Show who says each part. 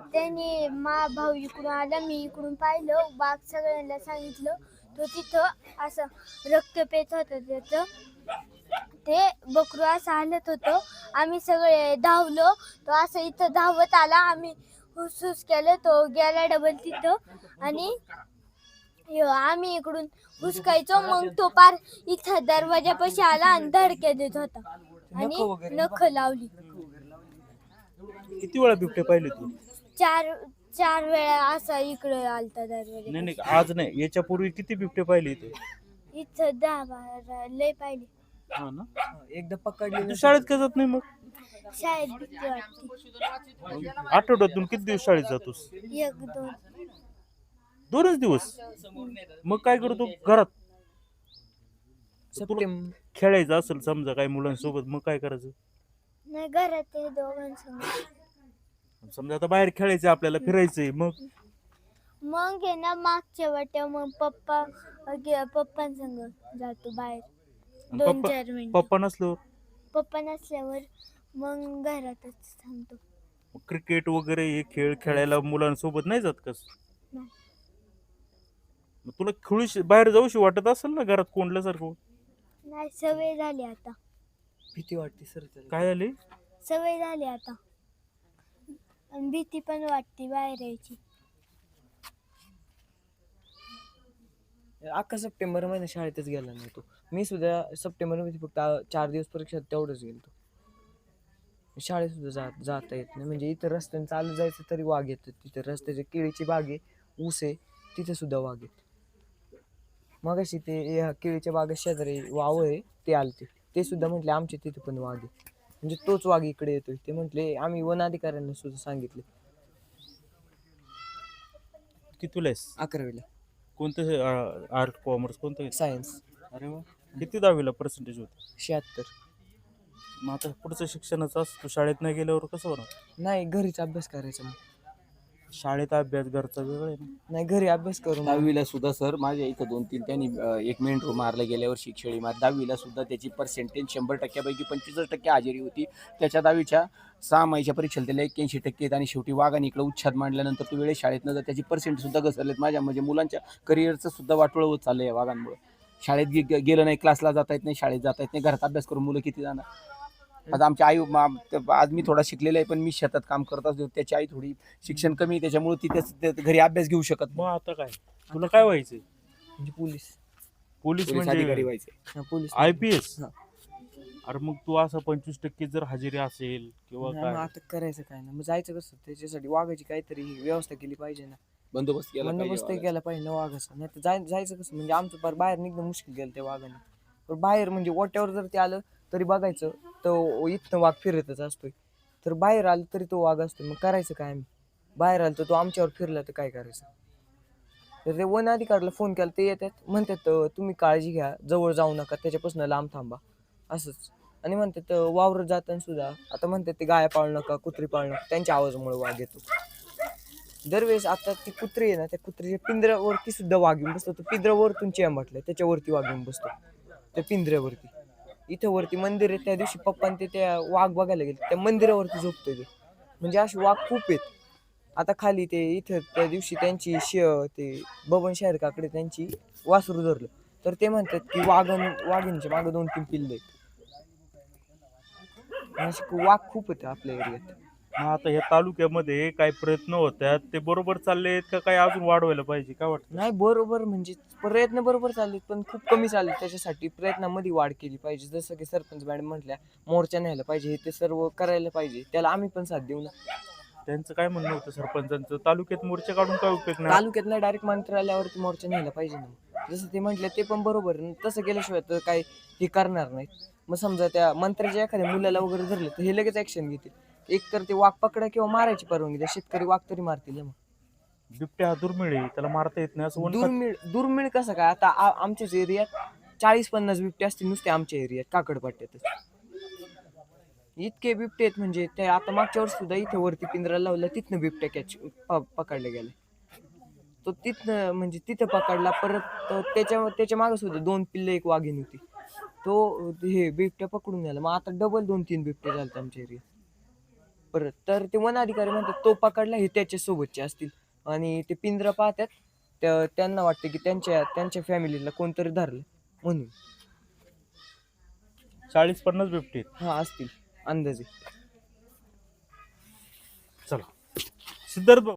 Speaker 1: त्याने भाऊ इकडून आला, मी इकडून पाहिलं, वाघ सगळ्यांना सांगितलं. तो तिथं असं रक्त पेत होतं त्याचं, ते बकरू असं हालत होतं. आम्ही सगळे धावलो, तो असं इथं धावत आला, आम्ही हुसहुस केलं, तो गेला डबल तिथं. आणि आम्ही इकडून हुसकायचो, मग तो पार इथं दरवाजापाशी आला आणि धडक्या देत होता आणि नख लावली.
Speaker 2: किती वेळा बिबटे पाहिले तू?
Speaker 1: चार वेळा असा इकडे आलता दरवाजा.
Speaker 2: नाही आज नाही, याच्या पूर्वी किती बिबटे पाहिले इथे?
Speaker 1: इथं 10-12 लय पाहिले.
Speaker 2: हा ना, एकदा पकडले. तू शाळेत का जात नाही मग?
Speaker 1: शाळेत भीती वाटते.
Speaker 2: आठवड्यातून किती दिवस शाळेत जातोस?
Speaker 1: 1-2.
Speaker 2: 2च दिवस? मग काय करतो घरात? खेळायचं असेल समजा काही मुलांसोबत, मग काय करायचं?
Speaker 1: नाही, घरात आहे दोघांसंग.
Speaker 2: समजा आता बाहेर खेळायचं, आपल्याला फिरायचंय,
Speaker 1: मग आहे ना, मागच्या वाट्या मग पप्पांसंग जातो बाहेर 2-4 मिनिट. पप्पा नसल्यावर मग घरातच थांबतो.
Speaker 2: क्रिकेट वगैरे हे खेळ खेळायला मुलांसोबत नाही जात कस? तुला खेळू बाहेर जाऊशी वाटत असेल ना, घरात कोंडल्यासारखं?
Speaker 1: नाही, सवय झाली आता.
Speaker 2: भीती वाटते सर. काय झाली?
Speaker 1: सवय झाली आता, भीती पण वाटते बाहेर यायची.
Speaker 3: अख्खा सप्टेंबर महिना शाळेतच गेला नाही तो. मी सुद्धा सप्टेंबर मध्ये फक्त 4 दिवस परीक्षा तेवढंच गेलो. शाळेत सुद्धा जाता येत नाही. म्हणजे इथं रस्त्याने चालू जायचं तरी वाघ येतात. तिथे रस्त्याची केळीची बाग आहे, ऊस आहे, तिथे सुद्धा वाघ येत. मग अशी ते केळीच्या बागेत शेजारी वावर आहे, ते आलते. ते सुद्धा म्हटले आमच्या तिथे पण वाघ आहे. म्हणजे तोच वाघ इकडे येतोय. ते म्हटले आम्ही वन अधिकाऱ्यांना सुद्धा सांगितले.
Speaker 2: कितीला आहेस?
Speaker 3: 11वीला.
Speaker 2: कोणतं आर्ट, कॉमर्स, कोणतं?
Speaker 3: सायन्स.
Speaker 2: अरे वा. किती 10वीला पर्सेंटेज होते?
Speaker 3: 76.
Speaker 2: मग आता पुढचं शिक्षणाचं तू शाळेत नाही गेल्यावर कसं होणार?
Speaker 3: नाही, घरीच अभ्यास करायचा. मग
Speaker 2: शाळेत अभ्यास घरचा वेगळा आहे ना.
Speaker 3: नाही, घरी अभ्यास करून.
Speaker 4: 10वीला सुद्धा सर माझ्या इथं 2-3 त्यांनी 1 मेंढरू मारलं गेल्या वर्षी शेळी मार. 10वीला सुद्धा त्याची पर्सेंटेज 100%पैकी 25% हजेरी होती. त्याच्या 10वीच्या 6 महिन्याच्या परीक्षेला त्याला 81% आणि शेवटी वाघाने इकडे उच्छाद मांडल्यानंतर तो वेळेत शाळेत न त्याची पर्सेंट सुद्धा घसरलेत. माझ्या म्हणजे मुलांच्या करिअरचं सुद्धा वाटोळं होत चाललं या वाघांमुळे. शाळेत गेलं नाही, क्लासला जाता येत नाही, शाळेत जाता येत नाही, घरात अभ्यास करून मुलं किती जाणार? आता आमची आई आज मी थोडा शिकलेला आहे, पण मी शेतात काम करत असतो. त्याची आई थोडी शिक्षण कमी आहे, त्याच्यामुळे तिथे घरी अभ्यास घेऊ शकत.
Speaker 2: मग आता काय तुला काय व्हायचंय?
Speaker 3: म्हणजे पोलीस
Speaker 2: म्हणजे
Speaker 4: अधिकारी व्हायचे.
Speaker 3: Police
Speaker 2: IPS. अरे मग तू असं 25% जर हजेरी असेल किंवा काय,
Speaker 3: आता करायचं काय ना, मग जायचं कसं? त्याच्यासाठी वाघाची काहीतरी व्यवस्था केली पाहिजे ना,
Speaker 4: बंदोबस्त
Speaker 3: केला पाहिजे ना वाघाचा. नाही तर जायचं कसं? म्हणजे आमचं फार बाहेर निघणं मुश्किल गेलं त्या वाघाने. पण बाहेर म्हणजे ओट्यावर जर ते आलं तरी बघायचं, तो इथनं वाघ फिरतच असतोय. तर बाहेर आलं तरी तो वाघ असतो. मग करायचं काय आम्ही? बाहेर आलं तर तो आमच्यावर फिरला तर काय करायचं? तर ते वन अधिकाऱ्याला फोन केला, ते येतात, म्हणतात तुम्ही काळजी घ्या, जवळ जाऊ नका, त्याच्यापासून लांब थांबा, असंच. आणि म्हणतात वावर जाताना सुद्धा आता म्हणतात ते गाया पाळू नका, कुत्री पाळू नका, त्यांच्या आवाजामुळे वाघ येतो. दरवेळेस आता ती कुत्री आहे ना, त्या कुत्रीच्या पिंजऱ्यावरती सुद्धा वाघ येऊन बसतो. तो पिंजऱ्यावरतून म्हटलं त्याच्यावरती वाघ येऊन बसतो, त्या पिंजऱ्यावरती. इथं वरती मंदिर आहे, त्या दिवशी पप्पा ते त्या वाघ बघायला गेले, त्या मंदिरावरती झोपतोय ते. म्हणजे असे वाघ खूप आहेत. आता खाली ते इथं त्या दिवशी त्यांची ते बबन शहर काकडे त्यांची वासरू धरलं, तर ते म्हणतात की वाघिणीच्या मागं 2-3 पिल्ले आहेत. वाघ खूप आहेत आपल्या एरियात.
Speaker 2: मग आता ह्या तालुक्यामध्ये काही प्रयत्न होतात, ते बरोबर चालले आहेत का काही अजून वाढवायला पाहिजे? काय वाटतं?
Speaker 3: नाही, बरोबर म्हणजे प्रयत्न बरोबर चाललेत, पण खूप कमी चालले. त्याच्यासाठी प्रयत्नामध्ये वाढ केली पाहिजे. जसं की सरपंच मॅडम म्हटल्या, मोर्चा न्यायला पाहिजे, हे ते सर्व करायला पाहिजे. त्याला आम्ही पण साथ देऊ ना.
Speaker 2: त्यांचं काय म्हणणं होतं सरपंचांचं? तालुक्यात मोर्चा काढून काय उपयोग नाही?
Speaker 3: तालुक्यात नाही, डायरेक्ट मंत्रालयावरती मोर्चा न्यायला पाहिजे ना. जसं ते म्हटलं ते पण बरोबर. तसं केल्याशिवाय तर काही हे करणार नाहीत. मग समजा त्या मंत्र्याच्या एखाद्या मुलाला वगैरे धरलं तर हे लगेच ऍक्शन घेतील. एक तर ते वाघ पकडा किंवा मारायची परवानगी द्या. शेतकरी वाघ तरी मारतील. मग
Speaker 2: बिबट्या हा दुर्मिळ आहे, त्याला मारता येत नाही असं.
Speaker 3: दुर्मिळ कसं काय? आता आमच्याच एरियात 40-50 बिबटे असतील नुसते आमच्या एरियात, काकडपट्ट्यातच. इतके बिबटे आहेत म्हणजे ते. आता मागच्या वर्षी सुद्धा इथे वरती पिंजरा लावला, तिथनं बिबट्या पकडले गेले. तो तिथनं म्हणजे तिथं पकडला. परत त्याच्या मागे सुद्धा 2 पिल्ले, 1 वाघीण होती. तो हे बिबट्या पकडून गेला. मग आता डबल 2-3 बिबटे झाले आमच्या एरियात. परत तर ते वन अधिकारी म्हणतात तो पकडला हे त्याच्या सोबतचे असतील आणि ते पिंजरा पाहतात त्यांना वाटतं की त्यांच्या त्यांच्या फॅमिलीला कोणतरी धरलं म्हणून
Speaker 2: 40-50 बिबटे आहेत.
Speaker 3: हा असतील अंदाजे.
Speaker 2: चला सिद्धार्थ भाऊ